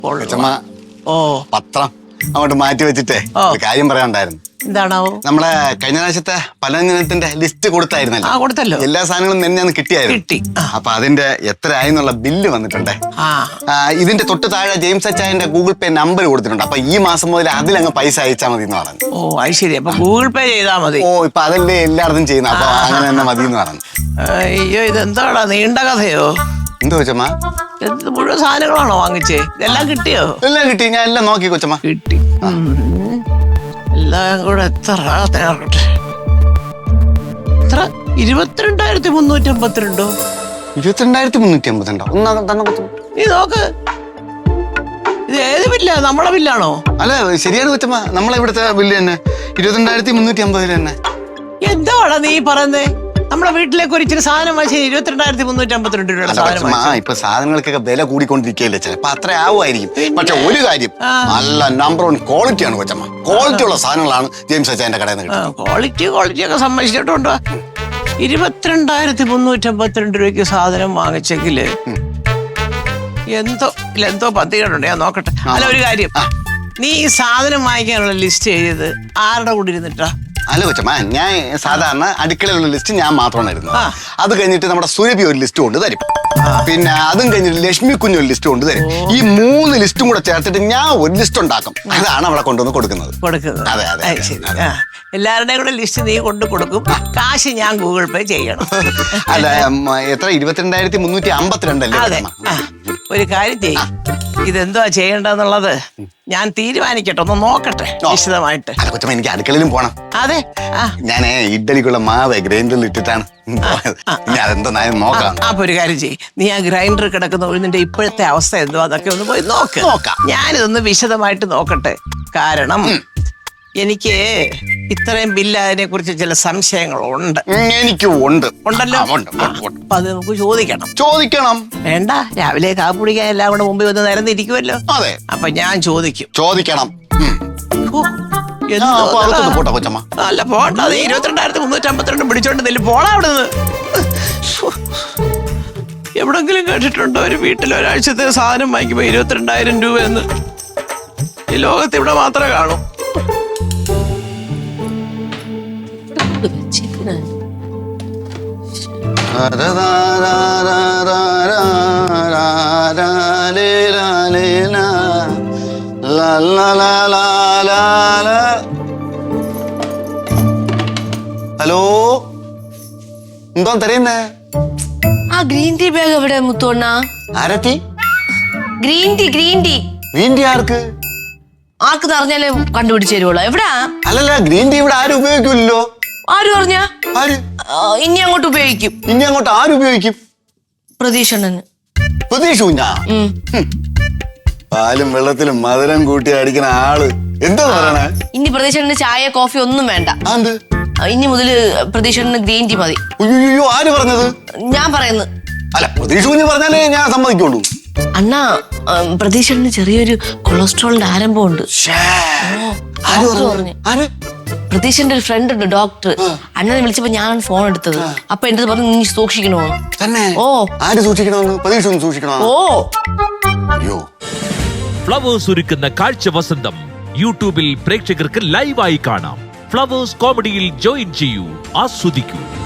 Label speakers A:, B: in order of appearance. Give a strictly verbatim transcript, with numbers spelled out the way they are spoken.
A: ഓ
B: പത്രം അങ്ങോട്ട് മാറ്റി വെച്ചിട്ടേ ഒരു കാര്യം പറയാനുണ്ടായിരുന്നു.
A: എന്താണാവോ?
B: നമ്മളെ കഴിഞ്ഞ പ്രാവശ്യത്തെ പലചരക്കിന്റെ ലിസ്റ്റ് കൊടുത്തായിരുന്നല്ലോ.
A: ആ കൊടുത്തല്ലോ.
B: എല്ലാ സാധനങ്ങളും തന്നെ കിട്ടിയായിരുന്നു.
A: കിട്ടി.
B: അപ്പൊ അതിന്റെ എത്ര ആയിന്നുള്ള ബില്ല് വന്നിട്ടുണ്ടേ. ഇതിന്റെ തൊട്ട് താഴെ ജെയിംസ് അച്ചായന്റെ ഗൂഗിൾ പേ നമ്പർ കൊടുത്തിട്ടുണ്ട്. അപ്പൊ ഈ മാസം മുതൽ അതിലങ്ങ് പൈസ അയച്ചാൽ മതി എന്ന് പറഞ്ഞു.
A: ഓ അത് ശരി. അപ്പൊ ഗൂഗിൾ പേ ചെയ്താൽ മതി.
B: ഓ ഇപ്പൊ അതല്ലേ എല്ലായിടത്തും ചെയ്യുന്നത്. അപ്പൊ അങ്ങനെ തന്നെ മതി എന്ന് പറഞ്ഞു.
A: അയ്യോ ഇതെന്താടാ നീണ്ട കഥയോ?
B: എന്തോ കൊച്ചമ്മ?
A: മുഴുവൻ സാധനങ്ങളാണോ വാങ്ങിച്ചേ? ഇതെല്ലാം കിട്ടിയോ?
B: എല്ലാം കിട്ടി. ഞാൻ എല്ലാം നോക്കി കൊച്ചമ്മ.
A: കിട്ടി. എല്ലാം കൂടെ എത്ര തയ്യാറട്ടെ? എത്ര? ഇരുപത്തിരണ്ടായിരത്തി മുന്നൂറ്റി അമ്പത്തിരണ്ടോ?
B: ഇരുപത്തിരണ്ടായിരത്തി മുന്നൂറ്റി അമ്പത്തിരണ്ടോ?
A: നീ നോക്ക്. ഇത് ഏത് ബില്ലാ? നമ്മളെ ബില്ലാണോ?
B: അല്ല ശരിയാണ് കൊച്ചമ്മ, നമ്മളെ ഇവിടുത്തെ ബില്ല് തന്നെ ഇരുപത്തിരണ്ടായിരത്തി മുന്നൂറ്റി അമ്പതിൽ തന്നെ.
A: എന്താടാ നീ പറയുന്നേ? നമ്മുടെ വീട്ടിലേക്ക് ഒരു ഇച്ചിരി സാധനം വാങ്ങിച്ച ഇരുപത്തിരണ്ടായിരത്തി മുന്നൂറ്റി അമ്പത്തിരണ്ട് രൂപയുടെ സാധനം.
B: ഇപ്പൊ സാധനങ്ങൾക്കൊക്കെ വില കൂടിക്കൊണ്ടിരിക്കുകയല്ലേ, ചിലപ്പോ അത്ര ആവുമായിരിക്കും. പക്ഷെ ഒരു കാര്യം, നല്ല നമ്പർ വൺ ക്വാളിറ്റിയാണ് കൊച്ചമ്മ. ക്വാളിറ്റി ഉള്ള സാധനങ്ങളാണ് ജെയിംസ് അച്ചായന്റെ കടയിൽ നിന്ന് കിട്ടുന്നത്.
A: ക്വാളിറ്റി ക്വാളിറ്റി ഒക്കെ സമ്മതിച്ചിട്ടുണ്ടോ? ഇരുപത്തിരണ്ടായിരത്തി മുന്നൂറ്റി അമ്പത്തിരണ്ട് രൂപയ്ക്ക് സാധനം വാങ്ങിച്ചെങ്കില് എന്തോ ഇല്ല എന്തോ പന്തികളുണ്ട്. ഞാൻ നോക്കട്ടെ. അല്ല ഒരു കാര്യം, നീ ഈ സാധനം വാങ്ങിക്കാനുള്ള ലിസ്റ്റ് എഴുതിയത് ആരുടെ കൂടെ ഇരുന്നിട്ടാ?
B: അല്ല കൊച്ചമ്മ, ഞാൻ സാധാരണ അടുക്കളയിലുള്ള ലിസ്റ്റ് ഞാൻ മാത്രമാണ് ഇരുന്നത്. അത് കഴിഞ്ഞിട്ട് നമ്മുടെ സുരഭി ഒരു ലിസ്റ്റ് കൊണ്ട് തരും. പിന്നെ അതും കഴിഞ്ഞിട്ട് ലക്ഷ്മി കുഞ്ഞ് ഒരു ലിസ്റ്റ് കൊണ്ട് തരും. ഈ മൂന്ന് ലിസ്റ്റും കൂടെ ചേർത്തിട്ട് ഞാൻ ഒരു ലിസ്റ്റ് ഉണ്ടാക്കും. അതാണ് അവിടെ കൊണ്ടുവന്ന് കൊടുക്കുന്നത്. അതെ അതെ.
A: എല്ലാവരുടെയും കൂടെ ലിസ്റ്റ് നീ കൊണ്ട് കൊടുക്കും. കാശ് ഞാൻ ഗൂഗിൾ പേ ചെയ്യണം.
B: അല്ല എത്ര? ഇരുപത്തിരണ്ടായിരത്തി മുന്നൂറ്റി അമ്പത്തിരണ്ടല്ലേ?
A: അതെ. ഒരു കാര്യം ചെയ്യും, ഇതെന്തുവാ ചെയ്യേണ്ടതെന്നുള്ളത് ഞാൻ തീരുമാനിക്കട്ടെ, ഒന്ന് നോക്കട്ടെ വിശദമായിട്ട്.
B: അല്ല കൊച്ചമ്മ, എനിക്ക് അടുക്കളയിലും പോണം.
A: അതെ.
B: ഞാൻ ഇഡ്ഡലിക്കുള്ള മാവ് ഗ്രൈൻഡറിൽ ഇട്ടിട്ടാണ്. അതെന്താ നോക്കാം.
A: അപ്പൊ ഒരു കാര്യം ചെയ്യും, നീ ആ ഗ്രൈൻഡർ കിടക്കുന്ന ഉഴുന്നിന്റെ ഇപ്പോഴത്തെ അവസ്ഥ എന്തോ അതൊക്കെ ഒന്ന് പോയി നോക്ക്.
B: നോക്കാം.
A: ഞാനിതൊന്ന് വിശദമായിട്ട് നോക്കട്ടെ. കാരണം എനിക്ക് ഇത്രയും ബില്ല് അതിനെ കുറിച്ച് ചില സംശയങ്ങളുണ്ട്.
B: എനിക്കും ഉണ്ട്.
A: ഉണ്ടല്ലോ. അപ്പൊ അത് നമുക്ക് ചോദിക്കണം.
B: ചോദിക്കണം.
A: വേണ്ട, രാവിലെ കാപ്പി കുടിക്കാൻ എല്ലാം കൂടെ മുമ്പിൽ വന്ന് നിരന്നിരിക്കുമല്ലോ.
B: അതെ.
A: അപ്പൊ ഞാൻ ചോദിക്കും.
B: ചോദിക്കണം.
A: അല്ല പോണ്ട, അത് ഇരുപത്തിരണ്ടായിരത്തി മുന്നൂറ്റി അമ്പത്തിരണ്ട് പിടിച്ചോണ്ട് നെല്ല് പോണ അവിടെ നിന്ന്. എവിടെങ്കിലും കേട്ടിട്ടുണ്ടോ ഒരു വീട്ടിൽ ഒരാഴ്ചത്തെ സാധനം വാങ്ങിക്കുമ്പോ ഇരുപത്തിരണ്ടായിരം രൂപ എന്ന്? ഈ ലോകത്ത് ഇവിടെ മാത്രമേ കാണൂ.
B: ഹലോ, എന്തോ തരുന്നേ?
C: ആ ഗ്രീൻ ടീ ബാഗ് എവിടെ മുത്തോണ്ണ?
B: Aarathi?
C: Green tea green tea
B: green tea ആർക്ക്?
C: ആർക്ക് പറഞ്ഞാലേ കണ്ടുപിടിച്ചു തരുവുള്ളൂ. എവിടാ?
B: അല്ലല്ല, ഗ്രീൻ ടീ ഇവിടെ ആരും ഉപയോഗിക്കില്ലല്ലോ.
C: ആര് പറഞ്ഞ?
B: ആര്?
C: ഇനി അങ്ങോട്ട് ഉപയോഗിക്കും.
B: ഇനി അങ്ങോട്ട് ആര് ഉപയോഗിക്കും?
C: പ്രതീക്ഷണ്ണന്.
B: പ്രതീക്ഷ കുഞ്ഞാ? പാലും വെള്ളത്തിലും മധുരം കൂട്ടി അടിക്കുന്ന ആള് എന്താ പറയണേ?
C: ഇനി പ്രതീക്ഷണ്ണന് ചായ കോഫി ഒന്നും വേണ്ട. ഇനി മുതല് പ്രതീക്ഷണ്ണന് ഗ്രീൻ ടീ മതി.
B: അയ്യോ, ആര് പറഞ്ഞത്?
C: ഞാൻ പറയുന്നു.
B: അല്ല, പ്രതീക്ഷ കുഞ്ഞ് പറഞ്ഞാലേ ഞാൻ സമ്മതിക്കുള്ളൂ.
C: അണ്ണാ, പ്രതീക്ഷണ്ണന് ചെറിയൊരു കൊളസ്ട്രോളിന്റെ ആരംഭമുണ്ട്. പ്രതീക്ഷന്റെ ഒരു ഫ്രണ്ട് ഉണ്ട്, ഡോക്ടർ. അണ്ണനെ വിളിച്ചപ്പോ ഞാൻ ഫോൺ എടുത്തത്. അപ്പൊ എന്റെ പറഞ്ഞു നീ സൂക്ഷിക്കണോ?
B: തന്നെ?
C: ഓ,
B: ആര് സൂക്ഷിക്കണോന്ന്? പ്രതീക്ഷ ഒന്ന് സൂക്ഷിക്കണോ?
C: ഓ.
B: അയ്യോ.
D: ഫ്ലവേഴ്സ് ഒരുക്കുന്ന കാഴ്ച വസന്തം യൂട്യൂബിൽ പ്രേക്ഷകർക്ക് ലൈവായി കാണാം. ഫ്ലവേഴ്സ് കോമഡിയിൽ ജോയിൻ ചെയ്യൂ, ആസ്വദിക്കൂ.